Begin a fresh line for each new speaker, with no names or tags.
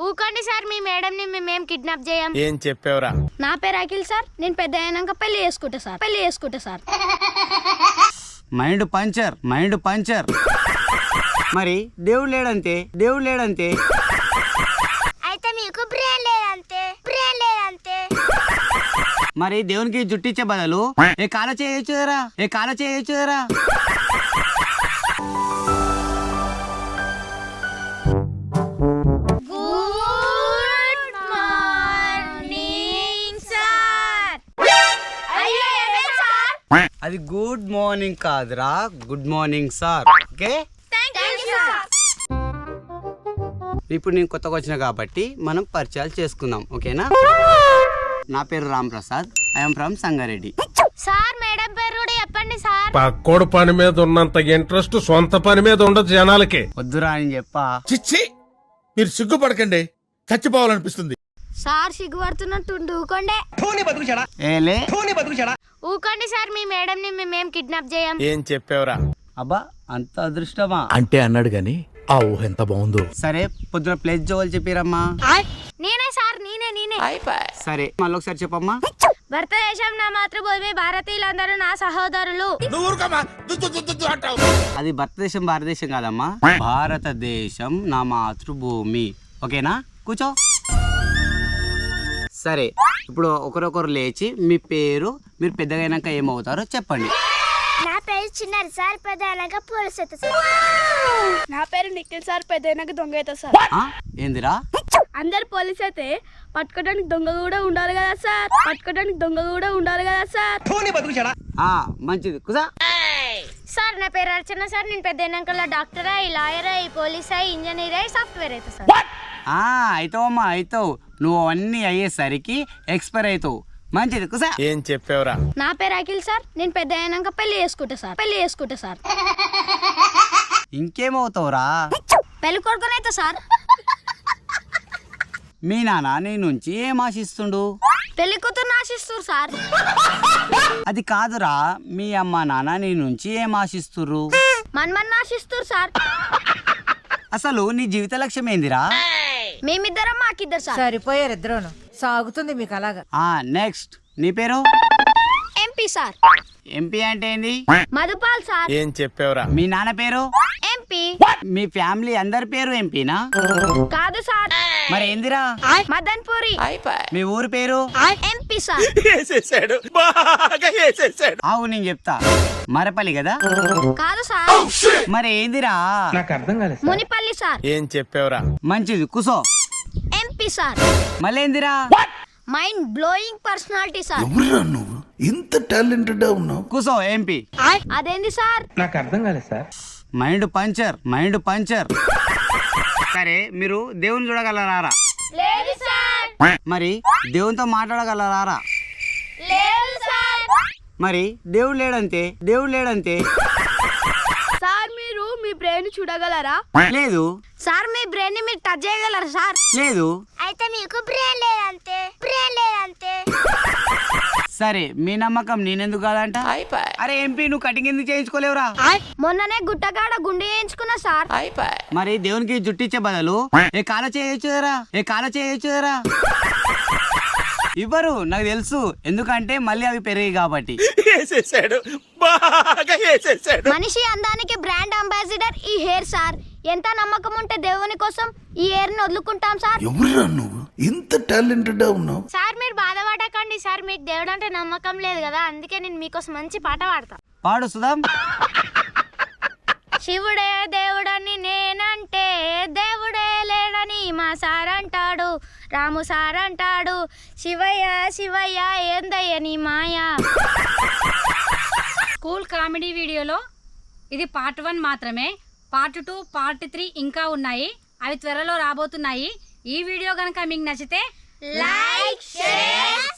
ఊకండి sir, మీ madam ని మేమేం kidnap చేయం.
ఏం చెప్పావురా?
నా పేరు అఖిల్ సార్, నేను పెద్ద అయినాక పెళ్లి చేసుకుంటా సార్.
Mind puncture. మరి దేవుడు లేడంతే.
అయితే మీకు బ్రెయిన్ లేదంతే.
మరి దేవునికి జుట్టిచ్చే బదులు ఏ కాల చేయొచ్చు కదరా.
Good morning sir.
అది గుడ్ మార్నింగ్ కాదురా, గుడ్ మార్నింగ్ సార్. ఓకే, ఇప్పుడు నేను కొత్తగా వచ్చిన కాబట్టి మనం పరిచయాలు చేసుకుందాం. ఓకేనా? నా పేరు Ram Prasad, I'm from Sangareddy.
Sir madam పేరు కూడా చెప్పండి సార్.
పక్కోడు పని మీద ఉన్నంత ఇంట్రెస్ట్ సొంత పని మీద ఉండదు జనాలకి.
వద్దురా అని చెప్పా.
చిచ్చి, మీరు సిగ్గుపడకండి, చచ్చిపోవాలనిపిస్తుంది.
సార్ సిగ్గుపడుతున్నట్టు ఊకోండే.
ఏలే
ఊకోండి సార్, మీ మేడం ని మేమేం కిడ్నాప్ చేయం.
ఏం చెప్పావురా?
అబ్బా, అంత అదృష్టమా?
అంటే అన్నాడు గాని ఆ ఊహ ఎంత బాగుందో.
సరే, పొద్దున ప్లేస్ జోవాలి చెప్పిరమ్మా.
నేనే సార్, నేనే.
సరే, మళ్ళీ ఒకసారి చెప్పమ్మా.
భారతదేశం నా మాతృభూమి, భారతీయులందరూ నా సహోదరులు.
అది భారతదేశం కాదమ్మా, భారతదేశం నా మాతృభూమి. ఓకేనా? కూర్చో. సరే, ఇప్పుడు ఒకరొకరు లేచి మీ పేరు, మీరు పెద్దగా అయినాక ఏమవుతారో చెప్పండి.
నా పేరు చిన్నారు సార్, పెద్ద అయినాక పోలీస్ అవుతా సార్.
నా పేరు నిఖిల్ సార్, పెద్ద అయినాక దొంగ అవుతా సార్.
ఏందిరా?
అందరు పోలీస్ అయితే పట్టుకోవడానికి దొంగ కూడా ఉండాలి కదా సార్.
మంచిది, కుదా.
సార్ నా పేరు అర్చన సార్, నేను పెద్ద అయినాక డాక్టర్ అయ్యి, లాయర్ అయ్యి, పోలీస్ అయ్యి, ఇంజనీర్ అయ్యి, సాఫ్ట్వేర్ అవుతా సార్.
అవుతావు. నువ్వు అన్నీ అయ్యేసరికి ఎక్స్పైర్ అవుతావు. మంచిది, కుసా.
ఏం చెప్పావురా?
నా పేరు అఖిల్ సార్, నేను పెద్ద అయినాక పెళ్లి చేసుకుంటా సార్.
ఇంకేమవుతావురా?
పెళ్లి కొడుకునైతే సార్.
మీ నాన్న నీ నుంచి ఏం ఆశిస్తుండు?
పెళ్లి కూతురు ఆశిస్తారు సార్.
అది కాదురా, మీ అమ్మ నాన్న నీ నుంచి ఏం ఆశిస్తుర్రు?
మన్మన్ ఆశిస్తారు సార్.
అసలు నీ జీవిత లక్ష్యం ఏందిరా?
మేమిద్దరం మాకిద్దరు సార్.
సరిపోయారు ఇద్దరును. సాగుతుంది మీకు అలాగా.
నెక్స్ట్, నీ పేరు?
MP sir.
ఎంపీ అంటే ఏంది?
మధుపాల్ సార్.
ఏం చెప్పావురా?
మీ నాన్న పేరు?
ఎంపీ.
మీ ఫ్యామిలీ అందరి పేరు ఎంపీనా?
కాదు సార్.
మరి ఏందిరా?
మదన్ పూరి.
మీ ఊరు పేరు?
MP sir.
ఆవు, నేను చెప్తా. మరపల్లి కదా?
కాదు సార్.
మరి ఏందిరా?
మునిపల్లి సార్.
ఏం చెప్పావురా?
మంచిది, కుసో.
MP sir.
మళ్ళీ ఏందిరా?
Mind blowing personality sir.
నువ్వు ఇంత టాలెంటెడ్ ఉన్నావు.
కుసో, ఎంపీ.
అదేంది సార్?
Mind puncture. సరే, మీరు దేవుని చూడగలరారా?
లేదు సార్.
మరి దేవునితో మాట్లాడగలరారా?
లేదు సార్.
మరి దేవుడు లేడంతే.
సార్ మీరు మీ బ్రెయిన్ చూడగలరా?
లేదు.
సార్ మీ బ్రెయిన్ ని మీరు టచ్ చేయగలరా సార్?
లేదు.
అయితే మీకు బ్రెయిన్ లేదంతే.
సరే, మీ నమ్మకం నేనెందుకు కాదంట? అరే ఎంపీ, నువ్వు కటింగ్ ఎందుకు చేయించుకోలేవురా?
మొన్ననే గుట్టకాడ గుండె చేయించుకున్నా సార్.
మరి దేవునికి జుట్టిచ్చే బదులు ఏ కాల చేయొచ్చు కదరా. ఇవ్వరు, నాకు తెలుసు. ఎందుకంటే మళ్ళీ అవి పెరిగాయి కాబట్టి.
మనిషి అందానికి బ్రాండ్ అంబాసిడర్ ఈ హెయిర్ సార్. ఎంత నమ్మకం ఉంటే దేవుని కోసం ఈ హెయిర్ ని వదులుకుంటాం సార్.
నువ్వు ఇంత టాలెంటెడ్ ఉన్నావు.
సార్ మీరు బాధపడకండి సార్, మీకు దేవుడు అంటే నమ్మకం లేదు కదా, అందుకే నేను మీకోసం మంచి పాట పాడతా.
పాడు సుధాం.
శివుడే దేవుడని నేనంటే దేవుడే లేడని మా సార్ అంటాడు, రాము సార్ అంటాడు, శివయ్య ఏందయ్య నీ మాయా.
స్కూల్ కామెడీ వీడియోలో ఇది పార్ట్ 1 మాత్రమే. పార్ట్ 2, పార్ట్ 3 ఇంకా ఉన్నాయి. అవి త్వరలో రాబోతున్నాయి. ఈ వీడియో కనుక మీకు నచ్చితే
లైక్, షేర్